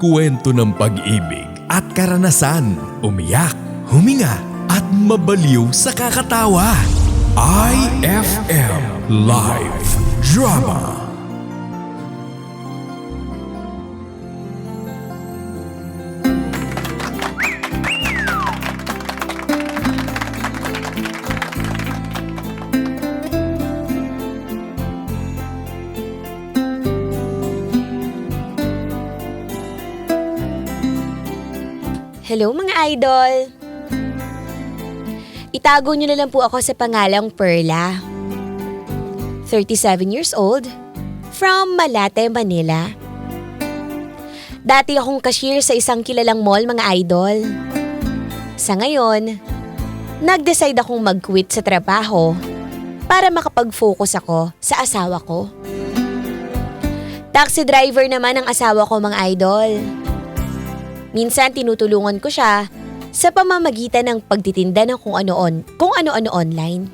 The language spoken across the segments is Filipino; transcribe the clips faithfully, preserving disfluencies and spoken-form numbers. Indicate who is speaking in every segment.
Speaker 1: magkukwento ng pag-ibig at karanasan, umiyak, huminga at mabaliw sa kakatawa. I F M Live Drama.
Speaker 2: Hello mga idol! Itago niyo na lang po ako sa pangalang Perla. thirty-seven years old, from Malate, Manila. Dati akong cashier sa isang kilalang mall mga idol. Sa ngayon, nag-decide akong mag-quit sa trabaho para makapag-focus ako sa asawa ko. Taxi driver naman ang asawa ko mga idol. Minsan tinutulungan ko siya sa pamamagitan ng pagtitinda ng kung ano-on, kung ano-ano online.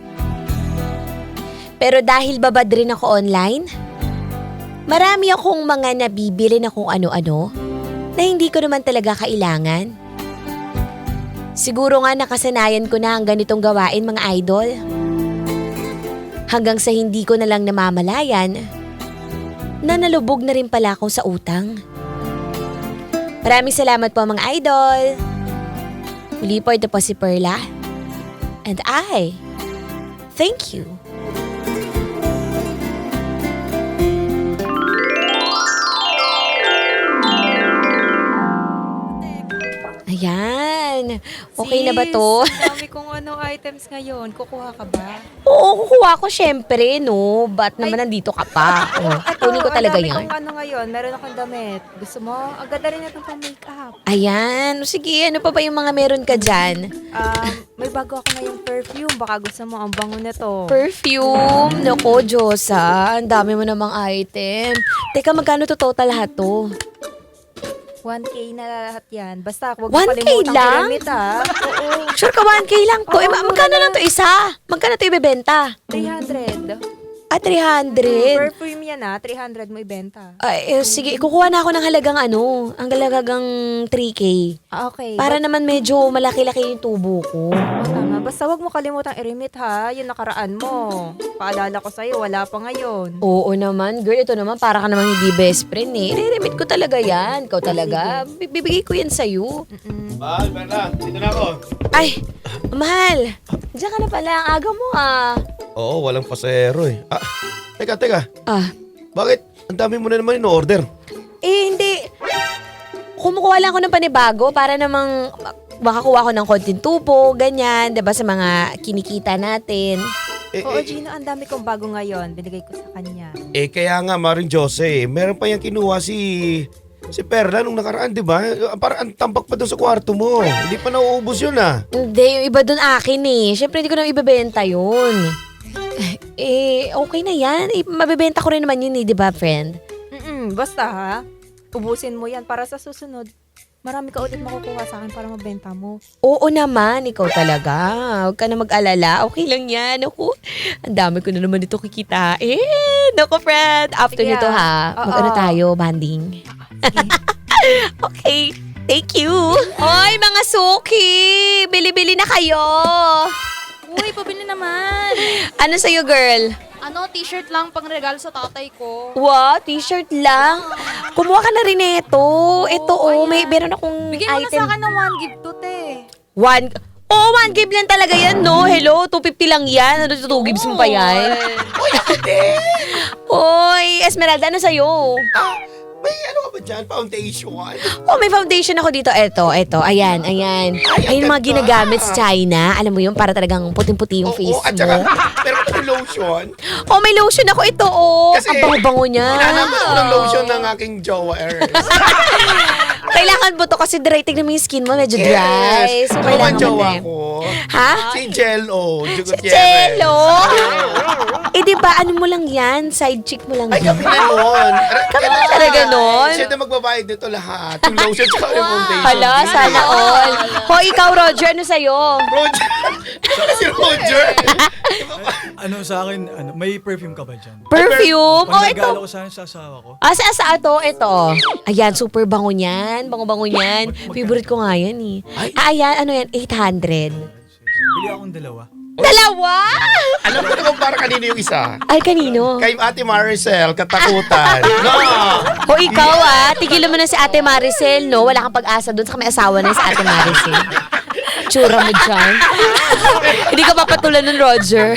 Speaker 2: Pero dahil babad rin ako online, marami akong mga nabibili na kung ano-ano na hindi ko naman talaga kailangan. Siguro nga nakasanayan ko na ang ganitong gawain mga idol. Hanggang sa hindi ko na lang namamalayan na nalubog na rin pala ako sa utang. Maraming salamat po mga idol. Muli po ito po si Perla. And I, thank you. Ayan. Okay na ba to?
Speaker 3: Sis, ang dami kong ano items ngayon. Kukuha ka ba?
Speaker 2: Oo, kukuha ko syempre, no? Ba't naman nandito ka pa? Oh, kunin ko talaga
Speaker 3: ang dami
Speaker 2: yan.
Speaker 3: kong ano ngayon. Meron akong damit. Gusto mo? Ang ganda rin itong pang makeup.
Speaker 2: Ayan. Sige, ano pa ba yung mga meron ka dyan?
Speaker 3: Um, may bago ako ngayong perfume. Baka gusto mo. Ang bango na to.
Speaker 2: Perfume. Nako, Diyosa. Ang dami mo namang item. Teka, magkano to total lahat to?
Speaker 3: one K na lahat yan. Basta, huwag
Speaker 2: one K
Speaker 3: mo kalimutang
Speaker 2: lang?
Speaker 3: pyramid ha. Oo.
Speaker 2: Sure ka, one K lang to.
Speaker 3: Oo,
Speaker 2: eh, ma-
Speaker 3: mura
Speaker 2: magkano lang
Speaker 3: lang.
Speaker 2: to isa? Magkano to ibebenta?
Speaker 3: three hundred.
Speaker 2: Ah, three hundred.
Speaker 3: Perfume yan ha. three hundred mo ibenta.
Speaker 2: Ay, eh, sige, kukuha na ako ng halagang ano, ang halagang three K.
Speaker 3: Ah, okay.
Speaker 2: Para naman medyo malaki-laki yung tubo ko.
Speaker 3: Oo, tama. Basta huwag mo kalimutang i-remit ha. Yung nakaraan mo. Paalala ko sa'yo, wala pa ngayon.
Speaker 2: Oo naman, girl. Ito naman, para ka naman hindi best friend eh. I-remit ko talaga yan. Ikaw talaga. Bibigay ko yan sa'yo.
Speaker 3: Mm-mm.
Speaker 4: Mahal, Perla. Dito na ako.
Speaker 2: Ay, mahal. Diyan ka na pala. Ang aga mo ah.
Speaker 4: Oo, walang pasahero eh. Ah, teka, teka.
Speaker 2: Ah,
Speaker 4: Bakit? Ang dami mo na naman in-order.
Speaker 2: eh hindi. Kumukuha lang ako ng panibago para namang makakuha ko ng konting tubo, ganyan. Diba sa mga kinikita natin.
Speaker 4: Eh,
Speaker 3: Oo,
Speaker 4: eh,
Speaker 3: Gino, ang dami kong bago ngayon. Binigay ko sa kanya.
Speaker 4: eh, kaya nga, Maring Jose, meron pa yung kinuha si... Si Perla nung nakaraan, di ba? Parang ang tampak pa doon sa kwarto mo. Hindi pa nauubos yun ah.
Speaker 2: Hindi, yung iba dun akin eh. Siyempre hindi ko na ibebenta yun. Eh, okay na yan. Eh, mabebenta ko rin naman yun eh, di ba, friend?
Speaker 3: Mm-mm, basta ha, ubusin mo yan para sa susunod. Marami ka ulit makukuha sa akin para mabenta mo.
Speaker 2: Oo naman, ikaw talaga. Huwag ka na mag-alala. Okay lang yan. Ako, ang dami ko na naman dito kikitain. Naku, friend. After
Speaker 3: Sige,
Speaker 2: nito ha,
Speaker 3: oo.
Speaker 2: mag-ano tayo, banding. Okay, thank you. Hoy, mga suki! Bili-bili na kayo!
Speaker 5: Uy, pabili naman.
Speaker 2: Ano sa'yo, girl?
Speaker 5: Ano, t-shirt lang pang regalo sa tatay ko.
Speaker 2: Wow, t-shirt lang. Kumuha ka na rin ito. Ito, oh, may meron akong
Speaker 5: Bigyan mo na
Speaker 2: item.
Speaker 5: sa akin ng one gift to, te.
Speaker 2: One, oh, one gift lang talaga yan, no? Hello, two fifty lang yan. Ano, two gives mo pa yan?
Speaker 4: Uy, ako din!
Speaker 2: Hoy, Esmeralda, ano sa'yo?
Speaker 4: Ah, may ano ka ba dyan? Foundation?
Speaker 2: Oh, may foundation ako dito. Eto, eto. Ayan, ayan. Ay, yung mga ginagamit sa China. Alam mo yun, para talagang puting-puti yung
Speaker 4: Oo,
Speaker 2: face
Speaker 4: at saka,
Speaker 2: mo.
Speaker 4: meron ka ng lotion.
Speaker 2: Oh, may lotion ako ito, oh.
Speaker 4: Kasi,
Speaker 2: Ang bango-bango niya.
Speaker 4: Hinahanap ako ng lotion ng aking jowa, Ernest.
Speaker 2: Kailangan mo to kasi dry. Tignan mo yung skin mo, medyo dry.
Speaker 4: Yes.
Speaker 2: So,
Speaker 4: Ano
Speaker 2: kailangan
Speaker 4: ang jowa
Speaker 2: mo
Speaker 4: ko?
Speaker 2: Ha?
Speaker 4: Si Jello.
Speaker 2: Si Jello? Eh di ba ano mo lang yan? Side chick mo lang
Speaker 4: Ay,
Speaker 2: yan.
Speaker 4: kami na nun.
Speaker 2: Kami na talaga nun?
Speaker 4: Siya na magbabayad nito lahat. Yung lotion tsaka yung foundation.
Speaker 2: Hala, sana all. Ho, ikaw Roger, ano sa'yo?
Speaker 4: Roger. Saka si Roger.
Speaker 6: Ano sa akin, ano, may perfume ka ba dyan?
Speaker 2: Perfume? Oh, ito.
Speaker 6: Pag-regalo ko sana sa asawa ko.
Speaker 2: Ah, sa asa ito? Ito. Ayan, super bango niyan. Bango-bango niyan. Favorite ko nga yan eh. Ah, ayan, ano yan? eight hundred.
Speaker 6: Bili akong dalawa.
Speaker 2: Dalawa?
Speaker 4: Alam ko naman para kanino yung isa.
Speaker 2: Ay, kanino?
Speaker 4: Kay Ate Maricel, katakutan. No!
Speaker 2: O ikaw ah, tigilan mo na si Ate Maricel, no? Wala kang pag-asa doon sa may asawa na si Ate Maricel. Tsura mo dyan. Hindi ka papatulan ng Roger.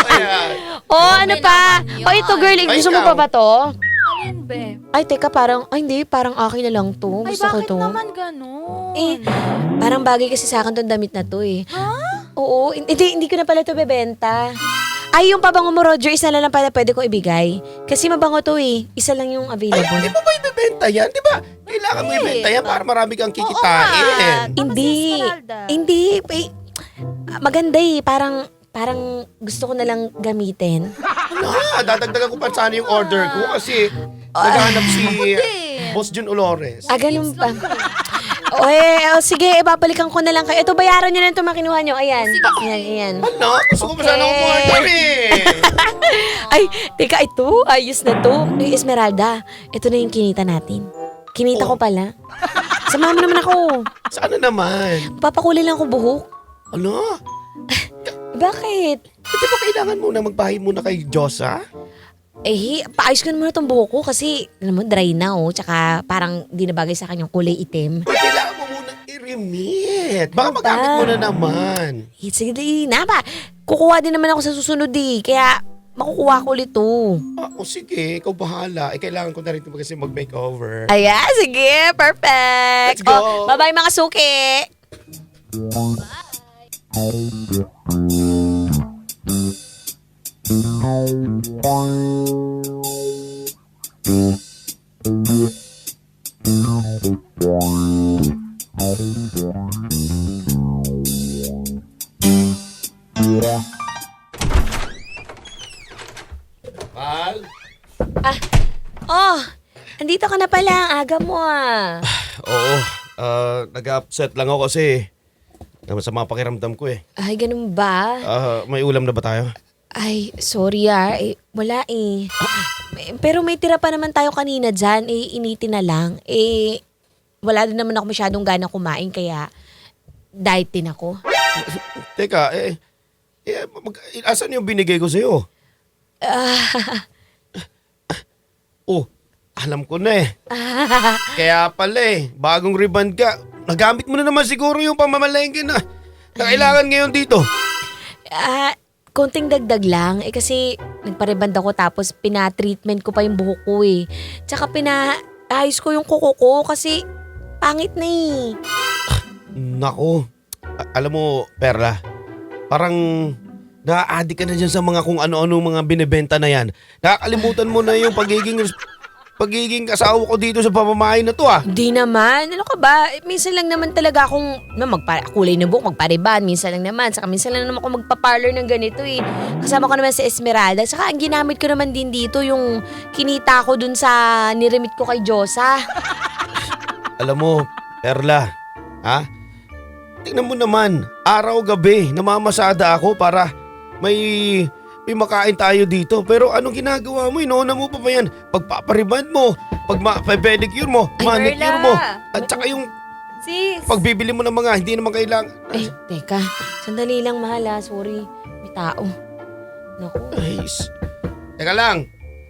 Speaker 2: Oh, ano pa? O ito girl, eh, gusto mo pa ba to?
Speaker 5: Alin, be?
Speaker 2: Ay, teka, parang, ay hindi, parang akin na lang to.
Speaker 5: Ay,
Speaker 2: Gusto ko
Speaker 5: bakit
Speaker 2: to.
Speaker 5: naman ganun?
Speaker 2: Eh, parang bagay kasi sa akin tong damit na to eh.
Speaker 5: Ha?
Speaker 2: Oo, hindi, hindi ko na pala to bebenta. Ay, yung pabango mo, Roger, isa na lang pala pwede ko ibigay. Kasi mabango to eh. Isa lang yung
Speaker 4: Ay,
Speaker 2: available.
Speaker 4: di mo ba ibebenta yan? Di ba? Kailangan mo ibenta yan para marami kang kikitain.
Speaker 2: Hindi. Hindi. Eh, maganda eh. Parang, parang gusto ko na lang gamitin.
Speaker 4: Ano? Dadagdagan ko pa sana yung order ko kasi naghahanap si Boss Jun Olores.
Speaker 2: Ah, ganun ba? O eh, oh, sige, ibabalikan ko na lang kayo. Ito, bayaran nyo na ito makinuha nyo. Ayan. Ayan, ayan.
Speaker 4: Ano? Gusto ko pa sana
Speaker 2: Okay.
Speaker 4: umorder eh.
Speaker 2: Ay, teka, ito. Ayos na to. Ay, Esmeralda, ito na yung kinita natin. Kinita ko pala. Samahan mo naman ako.
Speaker 4: Sana naman.
Speaker 2: Papakulay lang ako buhok.
Speaker 4: Ano?
Speaker 2: Bakit?
Speaker 4: Eh, di ba kailangan muna magbahay muna kay Diyosa?
Speaker 2: Eh, paayos ko na muna tong buhok ko kasi, alam mo, dry na oh. Tsaka parang di na bagay sa akin yung kulay itim.
Speaker 4: Eh, kailangan mo muna i-remit. Baka
Speaker 2: Ano
Speaker 4: magamit
Speaker 2: ba?
Speaker 4: mo na naman.
Speaker 2: Eh, sige, di na ba? Kukuha din naman ako sa susunod eh. Kaya, makukuha ko ulit to.
Speaker 4: Ah, o sige, ikaw bahala. Eh, kailangan ko na rin kasi mag-makeover.
Speaker 2: Ayan, sige. Perfect.
Speaker 4: Let's go.
Speaker 2: Oh, bye-bye mga suki.
Speaker 4: Mal?
Speaker 2: Oh, andito ka na pala. Ang aga mo ah.
Speaker 4: Oo. ah, nag-upset lang ako kasi masama pakiramdam ko eh.
Speaker 2: Ay, ganun ba?
Speaker 4: Ah, may ulam na ba tayo?
Speaker 2: Ay, sorry ah. Eh, wala eh. Eh, Pero may tira pa naman tayo kanina dyan. Eh, initin na lang. Eh, wala din naman ako masyadong gana kumain kaya diet din ako.
Speaker 4: Teka, eh, eh mag, asan yung binigay ko sa'yo? Oh, alam ko na eh. Kaya pala eh, bagong rebound ka. Nagamit mo na naman siguro yung pamamalengke na, na kailangan ngayon dito.
Speaker 2: Ah, konting dagdag lang. Eh kasi nagpareband ako tapos pina-treatment ko pa yung buhok ko eh. Tsaka pinaayos ko yung kuko ko kasi pangit na eh.
Speaker 4: Nako, a- alam mo, Perla, parang na-addict ka na dyan sa mga kung ano-ano mga binibenta na yan. Nakakalimutan mo na yung pagiging pagiging asawa ko dito sa pamamahay na to ah.
Speaker 2: Hindi naman. Ano ka ba? Eh, minsan lang naman talaga akong na magpa- kulay ng buhok, magpareban. Minsan lang naman. Saka minsan lang naman ako magpa-parlor ng ganito eh. Kasama ko naman si Esmeralda. Saka ang ginamit ko naman din dito yung kinita ko dun sa niremit ko kay Diyosa.
Speaker 4: Alam mo, Perla, ha? Tingnan mo naman, araw-gabi namamasada ako para may may makain tayo dito. Pero anong ginagawa mo? Inoona mo pa ba yan? Pagpapariband mo, pag pedicure mo,
Speaker 3: Ay,
Speaker 4: manicure
Speaker 3: Perla.
Speaker 4: mo, at saka yung
Speaker 3: Sis.
Speaker 4: pagbibili mo ng mga hindi naman kailangan.
Speaker 2: Eh, teka. Sandali lang, mahal ah. Sorry. May tao. Naku.
Speaker 4: Ay, s- teka lang.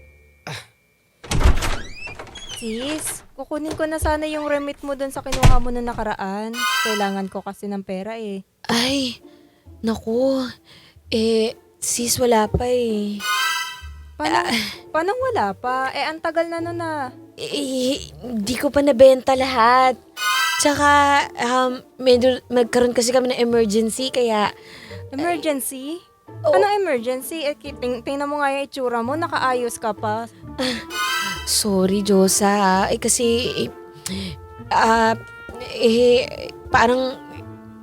Speaker 3: Sis, kukunin ko na sana yung remit mo dun sa kinuha mo na nakaraan. Kailangan ko kasi ng pera eh.
Speaker 2: Ay, naku. Eh, sis, wala pa eh.
Speaker 3: Paano, paano wala pa? Eh, ang tagal na nun ah.
Speaker 2: Eh, hindi ko pa nabenta lahat. Tsaka, um, medyo, magkaroon kasi kami ng emergency, kaya,
Speaker 3: Emergency?
Speaker 2: Oo.
Speaker 3: Anong emergency? Eh, ki- ting- tingnan mo nga yung itsura mo, nakaayos ka pa.
Speaker 2: sorry, Diyosa. Eh, kasi, eh, ah, eh, parang,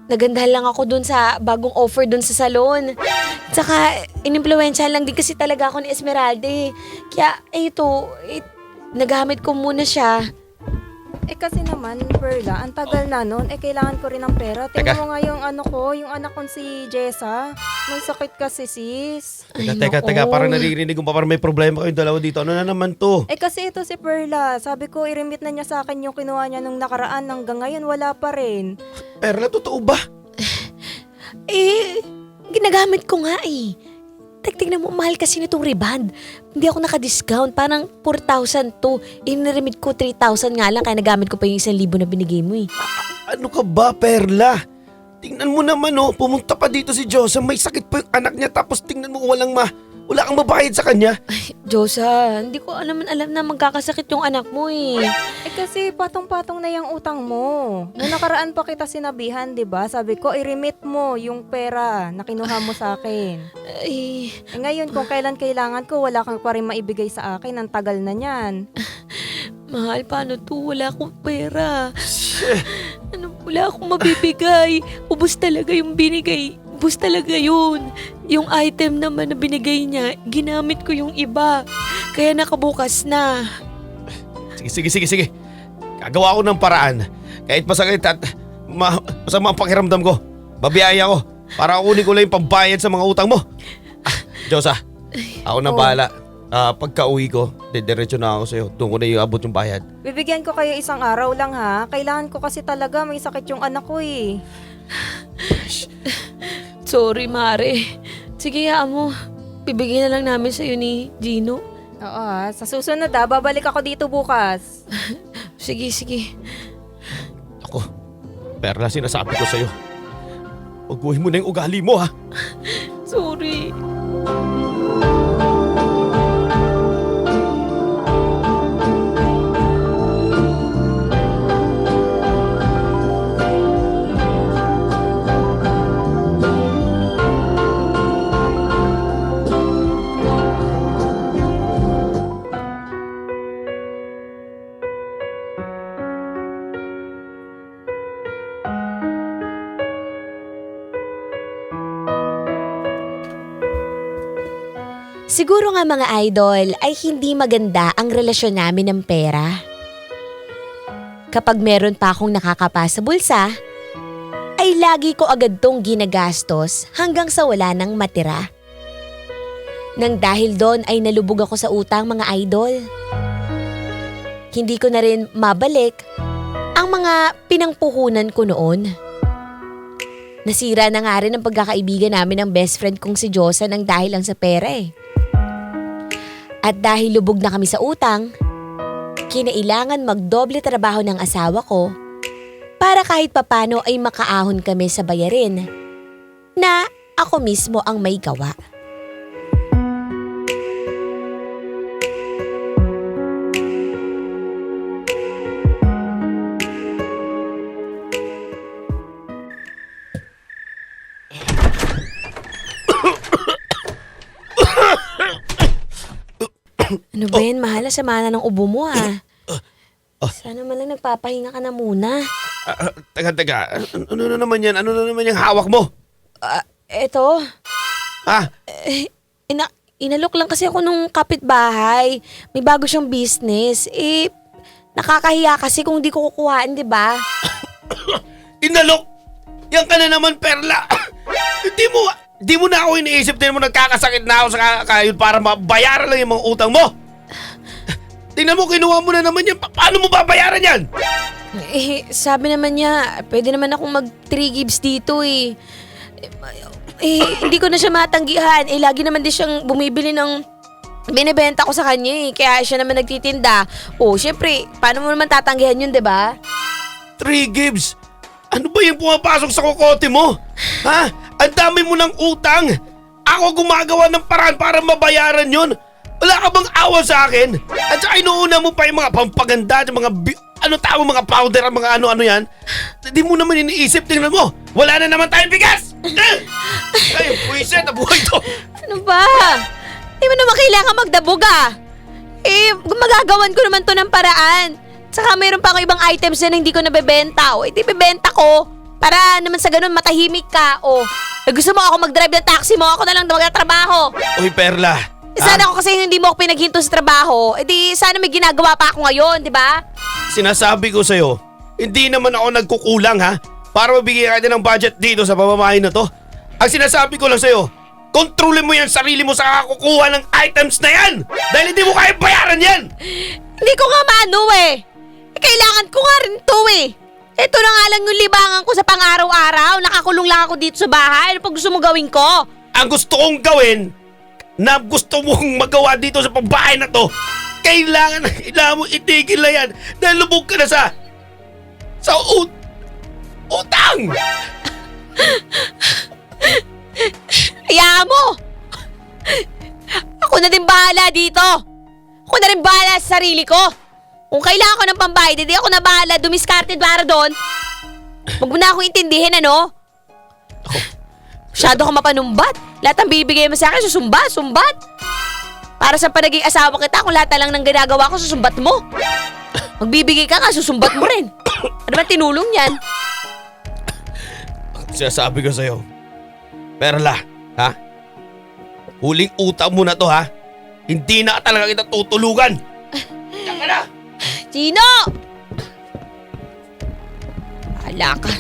Speaker 2: nagandahan lang ako dun sa bagong offer dun sa salon. Tsaka, inimpluwensyahan lang din kasi talaga ako ni Esmeralda eh. Kaya, eh, ito, eh, nagamit ko muna siya.
Speaker 3: Eh kasi naman, Perla, ang tagal na nun, eh kailangan ko rin ng pera. Tingnan
Speaker 4: Teka.
Speaker 3: mo nga yung ano ko, yung anak ko si Jessa. May sakit kasi sis.
Speaker 4: Teka,
Speaker 2: Ay,
Speaker 4: teka,
Speaker 2: nako.
Speaker 4: teka, parang naririnig ko pa parang may problema kayong dalawa dito. Ano na naman to?
Speaker 3: Eh kasi ito si Perla, sabi ko i-remit na niya sa akin yung kinuha niya nung nakaraan, hanggang ngayon wala pa rin.
Speaker 4: Perla, totoo ba?
Speaker 2: Eh, ginagamit ko nga eh. Tek, tignan mo, mahal kasi nitong reband. Hindi ako naka-discount, parang four thousand to. Eh, niремit ko three thousand nga lang, kaya nagamit ko pa yung isang libo na binigay mo eh.
Speaker 4: Ano ka ba, Perla? Tingnan mo naman oh, pumunta pa dito si Joseph, may sakit pa yung anak niya tapos tingnan mo walang ma, wala kang mabayad sa kanya.
Speaker 2: Diyosa, hindi ko alam alam na magkakasakit yung anak mo eh.
Speaker 3: Eh kasi patong-patong na yung utang mo. Nung nakaraan pa kita sinabihan, di ba? Sabi ko, i-remit mo yung pera na kinuha mo sa akin.
Speaker 2: Ay,
Speaker 3: Eh ngayon, kung kailan kailangan ko, wala kang pa rin maibigay sa akin. Ang tagal na niyan.
Speaker 2: mahal, paano to? Wala akong pera. Ano, wala akong mabibigay. Ubus talaga yung binigay. Ubus talaga yun. Yung item naman na binigay niya, ginamit ko yung iba. Kaya nakabukas na.
Speaker 4: Sige, sige, sige, sige. Gagawa ko ng paraan. Kahit masakit at ma masama ang pakiramdam ko. Babiyaya ko para kunin ko lang yung pambayad sa mga utang mo. Ah, Diyosa, ako na
Speaker 3: Oh.
Speaker 4: bahala. Ah, pagka uwi ko, didiretso na ako sa'yo. Doon ko na iabot yung bayad.
Speaker 3: Bibigyan ko kayo isang araw lang ha. Kailangan ko kasi talaga, may sakit yung anak ko eh.
Speaker 2: Sorry, Mare. Sige, hayaan mo. Bibigyan na lang namin sa'yo ni Gino.
Speaker 3: Oo ha. Sa susunod ha, babalik ako dito bukas.
Speaker 2: Sige, sige.
Speaker 4: Ako, Perla, sinasabi ko sa'yo. Pagbuhin mo na yung ugali mo ha.
Speaker 2: Sorry. Siguro nga mga idol ay hindi maganda ang relasyon namin ng pera. Kapag meron pa akong nakakapa sa bulsa, ay lagi ko agad tong ginagastos hanggang sa wala nang matira. Nang dahil doon ay nalubog ako sa utang mga idol. Hindi ko na rin mabalik ang mga pinangpuhunan ko noon. Nasira na nga rin ang pagkakaibigan namin ng best friend kong si Josa nang dahil lang sa pera eh. At dahil lubog na kami sa utang, kinailangan magdoble trabaho ng asawa ko para kahit papano ay makaahon kami sa bayarin na ako mismo ang may gawa. Ano ba yan, mahal? Sama na ng ubo mo ah. Sana man lang nagpapahinga ka na muna.
Speaker 4: Ah, ah, teka, teka. Ano, ano na naman yan? Ano na naman yung hawak mo?
Speaker 2: Ah, eto,
Speaker 4: Ha?
Speaker 2: eh, ina inalok lang kasi ako nung kapitbahay. May bago siyang business. Eh, nakakahiya kasi kung di ko kukuhaan, di ba?
Speaker 4: Inalok! Yan ka na naman, Perla! Hindi mo, di mo na ako iniisip din mo nagkakasakit na ako sa kakayod para mabayaran lang yung mga utang mo! Tingnan mo, kinuha mo na naman yan. Pa- Paano mo babayaran yan?
Speaker 2: Eh, sabi naman niya, pwede naman akong mag three gives dito eh. Eh, hindi ko na siya matanggihan. Eh, lagi naman din siyang bumibili ng binibenta ko sa kanya eh. Kaya siya naman nagtitinda. Oh, syempre, paano mo naman tatanggihan yun, di ba?
Speaker 4: Three gives? Ano ba yung pumapasok sa kokote mo? Ha? Ang dami mo ng utang! Ako gumagawa ng paraan para mabayaran yon. Wala ka bang awa sa akin? At saka inuuna mo pa yung mga pampaganda, yung mga, bi- ano tawag, mga powder, ang mga ano-ano yan. Hindi mo naman iniisip, tingnan mo. Wala na naman tayong bigas! Eh! Ay, puwiset na buhay to.
Speaker 2: Ano ba? Di mo naman kailangan magdabog ah. Eh, magagawan ko naman to ng paraan. Saka mayroon pa ako ibang items na hindi ko nabebenta. O, iti bebenta ko. Para naman sa ganun, matahimik ka. O, eh, gusto mo ako mag-drive ng taxi mo, ako na lang magtatrabaho.
Speaker 4: Uy, Perla.
Speaker 2: Eh, sana
Speaker 4: ah,
Speaker 2: ako kasi hindi mo ako pinaghinto sa trabaho. Eh di, sana may ginagawa pa ako ngayon, di ba?
Speaker 4: Sinasabi ko sa'yo, hindi naman ako nagkukulang ha. Para mabigyan ka din ng budget dito sa pamamahay na to. Ang sinasabi ko lang sa'yo, kontrolin mo yung sarili mo sa kakukuha ng items na yan. Dahil hindi mo kaya bayaran yan.
Speaker 2: Hindi ko nga maano eh. Eh, kailangan ko nga rin to eh. Ito na nga lang yung libangan ko sa pang-araw-araw. Nakakulong lang ako dito sa bahay. Ano pa gusto mo gawin ko?
Speaker 4: Ang gusto kong gawin, na gusto mong magawa dito sa pambahay na to, kailangan na kailangan mo itigil na yan dahil lubog ka na sa sa ut utang.
Speaker 2: Hayaan mo! Ako na din bahala dito. Ako na rin bahala sa sarili ko. Kung kailangan ko ng pambayad, hindi ako na bahala dumiskarte para doon. Huwag mo na akong intindihin, ano? Masyado ka mapanumbat. Lahat ng bibigay mo sa akin, susumba, sumbat. Para sa panaging asawa kita, kung lahat na lang ng ginagawa ko, susumbat mo. Magbibigay ka nga, susumbat mo rin. Ano ba tinulong yan?
Speaker 4: Sinasabi ko sa'yo, Perla, ha? Huling utang mo na to, ha? Hindi na talaga kita tutulugan. Diyan ka na!
Speaker 2: Chino! Bahala ka.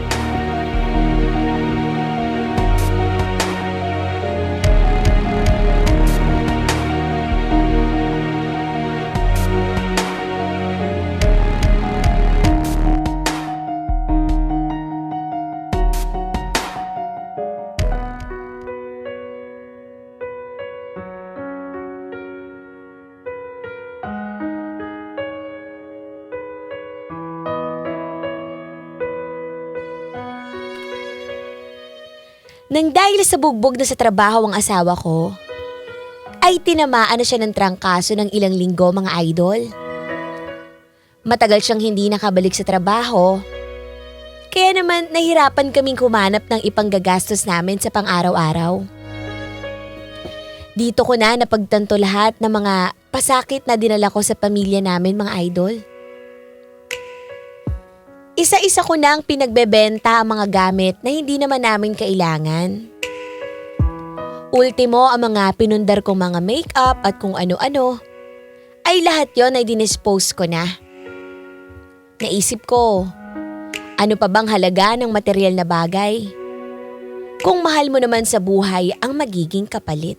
Speaker 2: Nang dahil sa bugbog na sa trabaho ang asawa ko, ay tinamaan na siya ng trangkaso ng ilang linggo, mga idol. Matagal siyang hindi nakabalik sa trabaho, kaya naman nahirapan kaming kumanap ng ipanggagastos namin sa pang-araw-araw. Dito ko na napagtanto lahat ng mga pasakit na dinala ko sa pamilya namin, mga idol. Isa-isa ko na ang pinagbebenta ang mga gamit na hindi naman namin kailangan. Ultimo, ang mga pinundar kong mga makeup at kung ano-ano, ay lahat yon ay dinispose ko na. Naisip ko, ano pa bang halaga ng material na bagay? Kung mahal mo naman sa buhay ang magiging kapalit.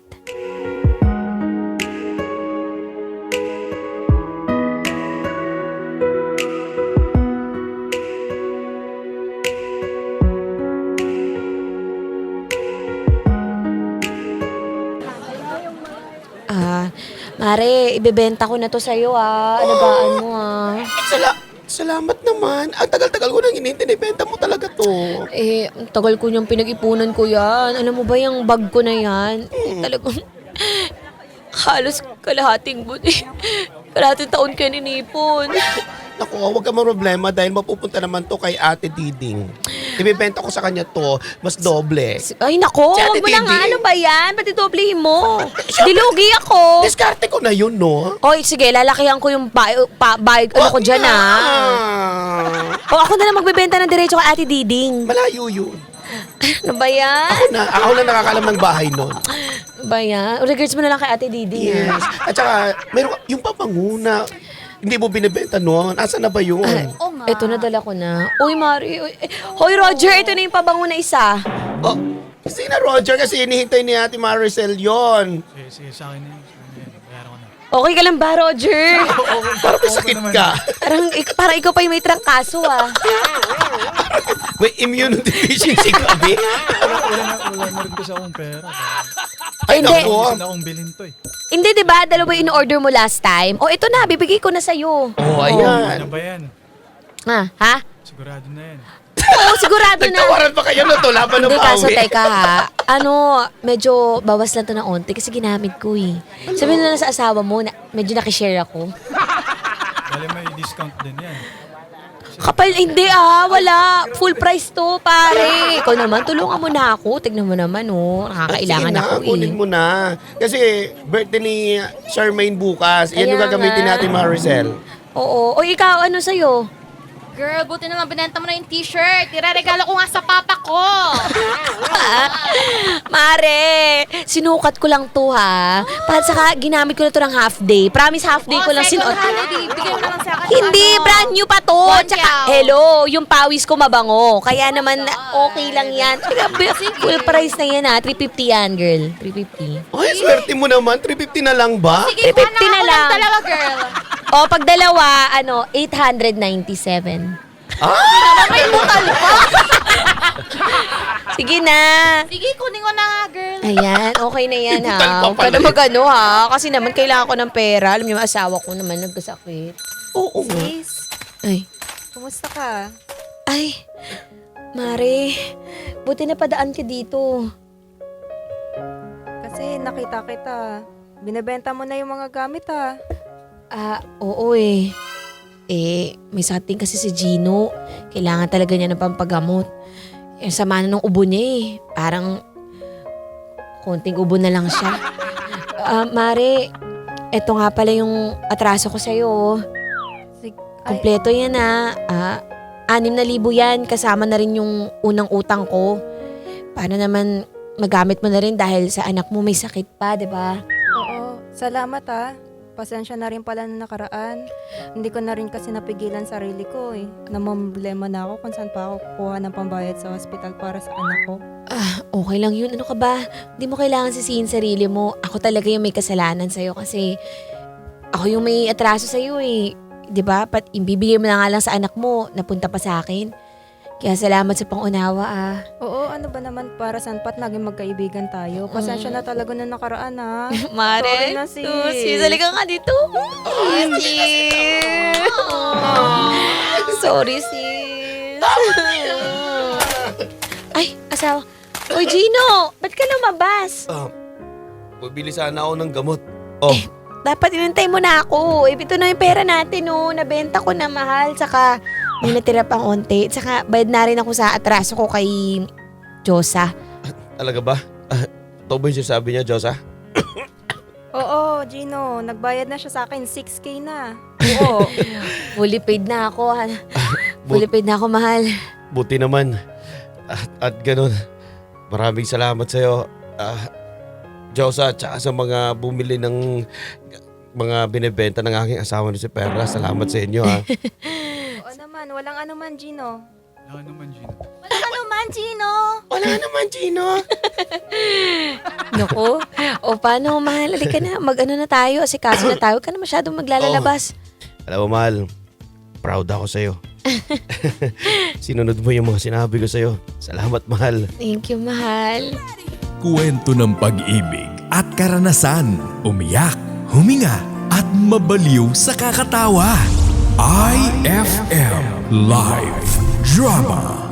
Speaker 2: Ah, Mare, ibebenta ko na to sa'yo ah. Alagaan mo ah.
Speaker 4: Sala salamat naman. Ang tagal-tagal ko nang hinihintay. Ibenta mo talaga to.
Speaker 2: Eh, ang tagal ko niyang pinag-ipunan ko yan. Alam mo ba yung bag ko na yan? Eh, talagang halos kalahating buti. Kalahating taon ka ninipon.
Speaker 4: Naku, huwag ka problema dahil mapupunta naman to kay Ate Diding. Ibebenta ko sa kanya to, mas doble.
Speaker 2: Ay nako,
Speaker 4: Si Ate
Speaker 2: wag mo na nga.
Speaker 4: Didi.
Speaker 2: Ano ba yan? Pati doblehin mo. Dilugi ako.
Speaker 4: Diskarte ko na yun, no?
Speaker 2: Oy, sige, lalakihan ko yung ba, pa, ba, ano ko dyan ah.
Speaker 4: ah.
Speaker 2: O ako na lang magbebenta ng diretso kay Ate Diding.
Speaker 4: Malayo yun.
Speaker 2: Ano ba yan?
Speaker 4: Ako na, ako na nakakalam ng bahay nun.
Speaker 2: Ano ba yan? Regards mo na lang kay Ate Diding.
Speaker 4: Yes.
Speaker 2: ah.
Speaker 4: At saka, meron ka- yung papanguna. Hindi mo binibenta noon. Asa na ba yun?
Speaker 5: Oo nga.
Speaker 2: Ito na dala ko na. Uy, Mari. Uy, eh, Hoy, Roger, ito na yung pabango na isa.
Speaker 4: Oh, kasi na Roger kasi hinihintay ni Ate Maricel yon.
Speaker 6: Sige, sige, sa akin na yun. Sa akin na yun. Bayaran ko na.
Speaker 2: Okay ka lang ba, Roger?
Speaker 4: Parang may sakit ka.
Speaker 2: Parang, ik- parang ikaw pa yung may trangkaso, ah.
Speaker 4: May immunodeficiency ka, Abi.
Speaker 6: Wala, wala, na, wala na rin kasi akong pera.
Speaker 4: Ay,
Speaker 2: Hindi.
Speaker 4: naku.
Speaker 6: Gusto na akong bilhin to eh.
Speaker 2: Hindi, di ba? Dalawa yung in-order mo last time. O, ito na. Bibigay ko na sa'yo.
Speaker 4: Oh,
Speaker 6: Ano
Speaker 4: ayan.
Speaker 6: ba yan?
Speaker 2: Ha? Ha?
Speaker 6: Sigurado na yan.
Speaker 2: Oo, sigurado na.
Speaker 4: Nagtawaran pa kayo na to, laban ng
Speaker 2: Hindi, kaso
Speaker 4: bawi.
Speaker 2: teka ha. Ano, medyo bawas lang to ng onti kasi ginamit ko eh. Sabihin na lang sa asawa mo, na, medyo nakishare ako.
Speaker 6: Bale may discount din yan.
Speaker 2: Kapal, hindi ah, wala. Full price to, pare. Ikaw naman, tulungan mo na ako. Tignan mo naman, oh. Nakakailangan
Speaker 4: Sige na,
Speaker 2: ako eh.
Speaker 4: kunin mo na. Kasi birthday ni Charmaine bukas. Yan yung
Speaker 2: Kaya
Speaker 4: gagamitin
Speaker 2: nga.
Speaker 4: natin, Maricel.
Speaker 2: Oo. O ikaw, ano sa'yo?
Speaker 5: Girl, buti naman binenta mo na yung t-shirt. Iraregalo ko nga sa papa ko.
Speaker 2: Mare, sinukat ko lang to ha. Para saka ginamit ko na to ng half day. Promise half day ko
Speaker 5: Oh,
Speaker 2: lang
Speaker 5: second
Speaker 2: sinuot.
Speaker 5: holiday. Bigay mo na lang sa akin.
Speaker 2: Hindi,
Speaker 5: ano.
Speaker 2: brand new pa to.
Speaker 5: One
Speaker 2: Tsaka,
Speaker 5: cow.
Speaker 2: hello, yung pawis ko mabango. Kaya naman,
Speaker 5: God.
Speaker 2: okay lang yan. Grabe, full price na yan ha. three fifty yan, girl. three fifty.
Speaker 4: Ay, swerte mo naman. three fifty na lang ba?
Speaker 5: Sige,
Speaker 2: fifty
Speaker 5: kuha
Speaker 2: na
Speaker 5: na ako
Speaker 2: lang.
Speaker 5: ng dalawa, girl.
Speaker 2: O, pag dalawa, ano, eight ninety-seven.
Speaker 5: May butal pa.
Speaker 2: Sige na.
Speaker 5: Sige, kunin ko na nga, girl.
Speaker 2: Ayan, okay na yan ha.
Speaker 4: Butal pa
Speaker 2: Huwag ka
Speaker 4: pala
Speaker 2: na
Speaker 4: eh.
Speaker 2: mag-ano ha. Kasi naman kailangan ko ng pera. Alam niyo, asawa ko naman nagkasakit.
Speaker 4: Oo nga.
Speaker 3: Sis,
Speaker 2: Ay.
Speaker 3: kumusta ka?
Speaker 2: Ay, Mare, buti na padaan ka dito.
Speaker 3: Kasi nakita kita. Binebenta mo na yung mga gamit ha.
Speaker 2: Ah, oo eh. Eh, may sating kasi si Gino. Kailangan talaga niya ng pampagamot. Yung sama na ng ubo niya eh. Parang konting ubo na lang siya. Ah, Mare, eto nga pala yung atraso ko sa'yo.
Speaker 3: Sig- ay,
Speaker 2: Kompleto yan ah. Ah, anim na libo yan. Kasama na rin yung unang utang ko. Para naman magamit mo na rin dahil sa anak mo may sakit pa, di ba?
Speaker 3: oo. Salamat ha. Pasensya na rin pala na nakaraan. Hindi ko na rin kasi napigilan sarili ko eh. Namamblema na ako kung saan pa ako kukuha ng pambayad sa hospital para sa anak ko.
Speaker 2: Ah, okay lang yun. Ano ka ba? Hindi mo kailangan sisihin sarili mo. Ako talaga yung may kasalanan sa'yo kasi ako yung may atraso sa'yo eh. 'Di ba? Pat ibibigay mo na nga lang sa anak mo, napunta pa sa akin. Kaya salamat sa pangunawa ah.
Speaker 3: Oo, ano ba naman para saan pat naging magkaibigan tayo? Pasensya na talaga na nakaraan ha.
Speaker 2: Mare,
Speaker 3: Sorry na, sis.
Speaker 2: oh, sis, halika nga dito. Sis. Sorry, sis. Ay, asawa. Oy, Gino, ba't ka lumabas?
Speaker 4: Ah, bumili sana ako ng gamot. Oh,
Speaker 2: Dapat inantay mo na ako. Eh, ito na yung pera natin, oh. Nabenta ko na mahal. Saka, may natira pang onti. Saka, bayad na rin ako sa atraso ko kay Josa.
Speaker 4: talaga ba? Ah, ito ba yung sinasabi niya, Diyosa?
Speaker 3: Oo, Gino, nagbayad na siya sa akin. six K na.
Speaker 2: Oo. Fully paid na ako. ha. Fully paid na ako, mahal.
Speaker 4: Buti naman. At, at ganun. Maraming salamat sa'yo. Ah, Diyosa, tsaka sa mga bumili ng mga binibenta ng aking asawa ni si Perla. Salamat sa inyo, ha.
Speaker 3: Oo naman, walang anuman, Gino.
Speaker 6: Wala naman, Gino.
Speaker 3: Walang anuman, Gino!
Speaker 4: Wala naman, Gino.
Speaker 2: Naku. O, paano, mahal? Halika na. Mag-ano na tayo. Asikaso na tayo. Huwag ka na masyadong maglalalabas.
Speaker 4: Alam mo, mahal, proud ako sa'yo. Sinunod mo yung mga sinabi ko sa'yo. Salamat, mahal.
Speaker 2: Thank you, mahal.
Speaker 1: Kwento ng pag-ibig at karanasan, umiyak, huminga at mabaliw sa kakatawa. I F M Live Drama